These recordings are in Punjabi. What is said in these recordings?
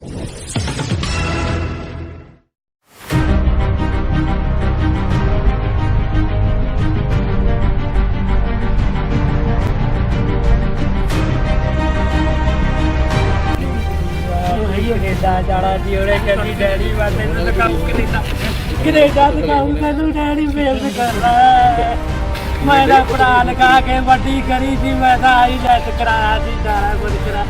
कनेडा जाना जी और कहती डैडी बस इन्होंने काम कनेडा तो काम मैनू डैडी फेल करना मैं पढ़ा लिखा के वड्डी करी थी मैं IELTS कराया थी सारा कुछ करा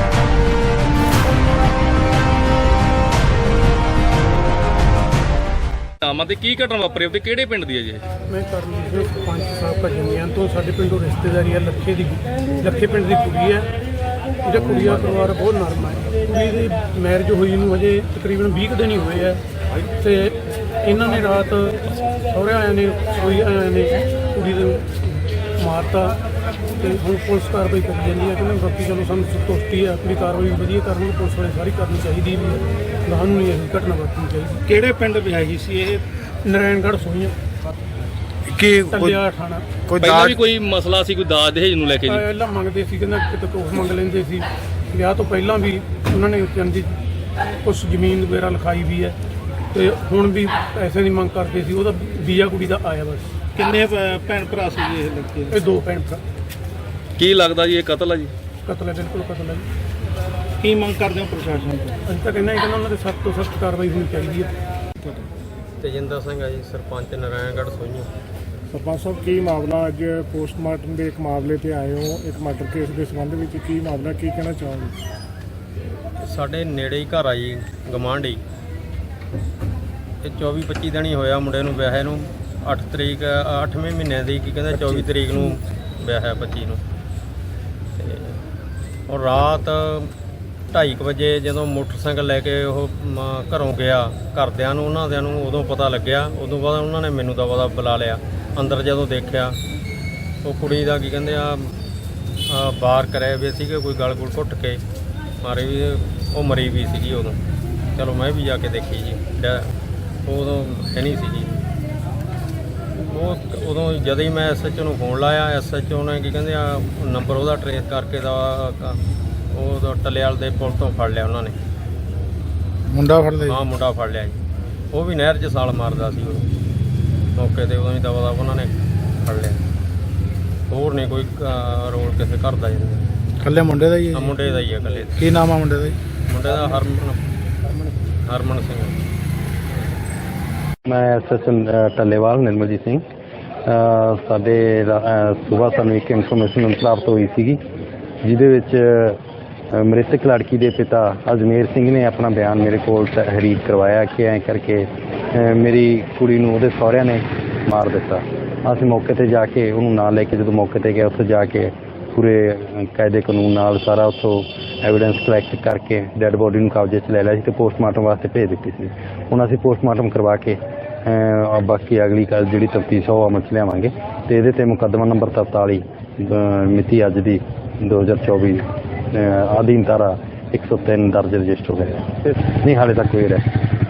ਤੇ ਕੀ ਘਟਨਾ ਵਾਪਰੀ ਤੇ ਕਿਹੜੇ ਪਿੰਡ ਦੀ ਹੈ ਜੀ? ਮੈਂ ਕਰਨਜੀਤ ਸਿੰਘ ਸਰਪੰਚ ਸਾਹਿਬ ਭਜਨੀਆਂ ਤੋਂ। ਸਾਡੇ ਪਿੰਡੋਂ ਰਿਸ਼ਤੇਦਾਰੀ ਹੈ, ਲੱਖੇ ਪਿੰਡ ਦੀ ਕੁੜੀ ਹੈ। ਇਹਦਾ ਕੁੜੀ ਦਾ ਪਰਿਵਾਰ ਬਹੁਤ ਨਰਮ ਹੈ। ਕੁੜੀ ਦੀ ਮੈਰਿਜ ਹੋਈ ਨੂੰ ਹਜੇ ਤਕਰੀਬਨ 20 ਦਿਨ ਹੀ ਹੋਏ ਆ ਤੇ ਇਹਨਾਂ ਨੇ ਰਾਤ ਸਹੁਰੇ ਆਇਆਂ ਨੇ ਸੋਈ ਆਇਆਂ ਨੇ ਕੁੜੀ ਨੂੰ ਮਾਰਤਾ ਤੇ ਹੁਣ ਪੁਲਿਸ ਕਾਰਵਾਈ ਕਰੀ ਜਾਂਦੀ ਹੈ ਕਿ ਬਾਕੀ ਚਲੋ ਸਾਨੂੰ ਸੰਤੁਸ਼ਟੀ ਹੈ। ਆਪਣੀ ਕਾਰਵਾਈ ਵਧੀਆ ਕਰਨ ਪੁਲਿਸ ਵਾਲੇ ਸਾਰੀ ਕਰਨੀ ਚਾਹੀਦੀ ਵੀ ਸਾਨੂੰ ਨਹੀਂ ਇਹ ਘਟਨਾ ਵਾਪਰਨੀ ਚਾਹੀਦੀ। ਕਿਹੜੇ ਪਿੰਡ ਵਿਆਹੀ ਸੀ ਇਹ? ਨਾਰਾਇਣਗੜ੍ਹ ਸੋਈਆਂ ਕੀ ਟੱਲਿਆ ਥਾਣਾ। ਕੋਈ ਪਹਿਲਾਂ ਵੀ ਕੋਈ ਮਸਲਾ ਸੀ, ਕੋਈ ਦਾਜ ਦਹੇਜ ਨੂੰ ਲੈ ਕੇ ਜੀ? ਪਹਿਲਾਂ ਮੰਗਦੇ ਸੀ, ਕਹਿੰਦਾ ਕਿਤੇ ਕੁਛ ਮੰਗ ਲੈਂਦੇ ਸੀ। ਵਿਆਹ ਤੋਂ ਪਹਿਲਾਂ ਵੀ ਉਹਨਾਂ ਨੇ ਕਹਿੰਦੀ ਕੁਛ ਜ਼ਮੀਨ ਵਗੈਰਾ ਲਿਖਾਈ ਵੀ ਹੈ ਤੇ ਹੁਣ ਵੀ ਪੈਸੇ ਦੀ ਮੰਗ ਕਰਦੇ ਸੀ। ਉਹਦਾ ਵੀਜ਼ਾ ਕੁੜੀ ਦਾ ਆਇਆ ਬਸ। ਕਿੰਨੇ ਭੈਣ ਭਰਾ ਸੀ ਇਹ ਲੜਕੇ? ਇਹ 2 ਭੈਣ ਭਰਾ। ਕੀ ਲੱਗਦਾ ਜੀ ਇਹ ਕਤਲ ਹੈ ਜੀ? ਕਤਲ ਹੈ, ਬਿਲਕੁਲ ਕਤਲ ਹੈ ਜੀ। ਕੀ ਮੰਗ ਕਰਦੇ ਹੋ ਪ੍ਰਸ਼ਾਸਨ ਤੋਂ? ਅਸੀਂ ਤਾਂ ਕਹਿੰਦੇ ਉਹਨਾਂ ਦੇ ਸਖਤ ਤੋਂ ਸਖਤ ਕਾਰਵਾਈ ਹੋਣੀ ਚਾਹੀਦੀ ਹੈ। ਤੇਜਿੰਦਰ ਸਿੰਘ ਹੈ ਜੀ, ਸਰਪੰਚ ਨਾਰਾਇਣਗੜ੍ਹ ਸੋਈਆਂ। ਸਰਪੰਚ ਸਾਹਿਬ, ਕੀ ਮਾਮਲਾ ਅੱਜ ਪੋਸਟਮਾਰਟਮ ਦੇ ਇੱਕ ਮਾਮਲੇ ਤੇ ਆਏ ਹੋ, ਇੱਕ ਮਰਡਰ ਕੇਸ ਦੇ ਸੰਬੰਧ ਵਿੱਚ ਕੀ ਮਾਮਲਾ, ਕੀ ਕਹਿਣਾ ਚਾਹੋਗੇ? ਸਾਡੇ ਨੇੜੇ ਹੀ ਘਰ ਆ ਜੀ, ਗਮਾਂਢੀ। ਇਹ 24-25 ਦਿਨ ਹੀ ਹੋਇਆ ਮੁੰਡੇ ਨੂੰ ਵਿਆਹੇ ਨੂੰ। 8 ਤਰੀਕ 8ਵੇਂ ਮਹੀਨੇ ਦੀ ਕੀ ਕਹਿੰਦਾ 24 ਤਰੀਕ ਨੂੰ ਵਿਆਹਿਆ 25 ਨੂੰ। ਤੇ ਉਹ ਰਾਤ 2:30 ਵਜੇ ਜਦੋਂ ਮੋਟਰਸਾਈਕਲ ਲੈ ਕੇ ਉਹ ਘਰੋਂ ਗਿਆ, ਘਰਦਿਆਂ ਨੂੰ ਉਹਨਾਂ ਨੂੰ ਉਦੋਂ ਪਤਾ ਲੱਗਿਆ। ਉਦੋਂ ਬਾਅਦ ਉਹਨਾਂ ਨੇ ਮੈਨੂੰ ਤਾਂ ਬੁਲਾ ਲਿਆ। ਅੰਦਰ ਜਦੋਂ ਦੇਖਿਆ ਉਹ ਕੁੜੀ ਦਾ ਕੀ ਕਹਿੰਦੇ ਆ ਬਾਹਰ ਕਰਿਆ ਵੀ ਸੀਗੇ, ਕੋਈ ਗਲ ਗੁਲ ਘੁੱਟ ਕੇ ਮਾਰੇ ਵੀ, ਉਹ ਮਰੀ ਵੀ ਸੀਗੀ ਉਦੋਂ। ਚਲੋ ਮੈਂ ਵੀ ਜਾ ਕੇ ਦੇਖੀ ਜੀ, ਉਦੋਂ ਹੈ ਨਹੀਂ ਸੀ ਜੀ। ਉਹ ਉਦੋਂ ਜਦੋਂ ਹੀ ਮੈਂ SHO ਨੂੰ ਫੋਨ ਲਾਇਆ, SHO ਨੇ ਕੀ ਕਹਿੰਦੇ ਆ ਨੰਬਰ ਉਹਦਾ ਟਰੇਸ ਕਰਕੇ ਦਾ ਉਹ ਟੱਲੇਵਾਲ ਦੇ ਪੁਲ ਤੋਂ ਫੜ ਲਿਆ ਉਹਨਾਂ ਨੇ। ਮੁੰਡਾ ਫੜ ਲਿਆ? ਹਾਂ, ਮੁੰਡਾ ਫੜ ਲਿਆ ਜੀ। ਉਹ ਵੀ ਨਹਿਰ 'ਚ ਛਾਲ ਮਾਰਦਾ ਸੀ ਉਹ ਮੌਕੇ 'ਤੇ। ਉਦੋਂ ਹੀ ਦਵਾ ਉਹਨਾਂ ਨੇ ਫੜ ਲਿਆ। ਹੋਰ ਨਹੀਂ ਕੋਈ ਰੋਲ ਕਿਸੇ ਘਰ ਦਾ ਜੀ। ਇਕੱਲੇ ਮੁੰਡੇ ਦਾ ਹੀ ਹੈ? ਮੁੰਡੇ ਦਾ ਹੀ ਹੈ ਇਕੱਲੇ। ਕੀ ਨਾਮ ਆ ਮੁੰਡੇ ਦਾ ਜੀ? ਮੁੰਡੇ ਦਾ ਹਰਮਨ ਸਿੰਘ। ਮੈਂ SHO ਟੱਲੇਵਾਲ ਨਿਰਮਲਜੀਤ ਸਿੰਘ। ਸਾਡੇ ਸੁਬਾਹ ਸਾਨੂੰ ਇੱਕ ਇਨਫੋਰਮੇਸ਼ਨ ਪ੍ਰਾਪਤ ਹੋਈ ਸੀਗੀ ਜਿਹਦੇ ਵਿੱਚ ਮ੍ਰਿਤਕ ਲੜਕੀ ਦੇ ਪਿਤਾ ਅਜਮੇਰ ਸਿੰਘ ਨੇ ਆਪਣਾ ਬਿਆਨ ਮੇਰੇ ਕੋਲ ਤਹਿਰੀਰ ਕਰਵਾਇਆ ਕਿ ਐਂ ਕਰਕੇ ਮੇਰੀ ਕੁੜੀ ਨੂੰ ਉਹਦੇ ਸਹੁਰਿਆਂ ਨੇ ਮਾਰ ਦਿੱਤਾ। ਅਸੀਂ ਮੌਕੇ 'ਤੇ ਜਾ ਕੇ ਉਹਨੂੰ ਨਾਲ ਲੈ ਕੇ ਜਦੋਂ ਮੌਕੇ 'ਤੇ ਗਏ, ਉੱਥੇ ਜਾ ਕੇ ਪੂਰੇ ਕਾਇਦੇ ਕਾਨੂੰਨ ਨਾਲ ਸਾਰਾ ਉੱਥੋਂ ਐਵੀਡੈਂਸ ਕਲੈਕਟ ਕਰਕੇ ਡੈੱਡ ਬੋਡੀ ਨੂੰ ਕਬਜ਼ੇ 'ਚ ਲੈ ਲਿਆ ਸੀ ਤੇ ਪੋਸਟਮਾਰਟਮ ਵਾਸਤੇ ਭੇਜ ਦਿੱਤੀ ਸੀ। ਹੁਣ ਅਸੀਂ ਪੋਸਟਮਾਰਟਮ ਕਰਵਾ ਕੇ ਬਾਕੀ ਅਗਲੀ ਕੱਲ ਜਿਹੜੀ ਤਫਤੀਸ਼ ਉਹ ਅਮਲ 'ਚ ਲਿਆਵਾਂਗੇ ਤੇ ਇਹਦੇ 'ਤੇ ਮੁਕੱਦਮਾ ਨੰਬਰ 43 ਮਿਤੀ ਅੱਜ ਦੀ 2024 ਅਧੀਨ ਧਾਰਾ 103 ਦਰਜ ਰਜਿਸਟਰ ਹੋਇਆ। ਨਹੀਂ ਹਾਲੇ ਤੱਕ ਕੋਈ ਅਰੈਸਟ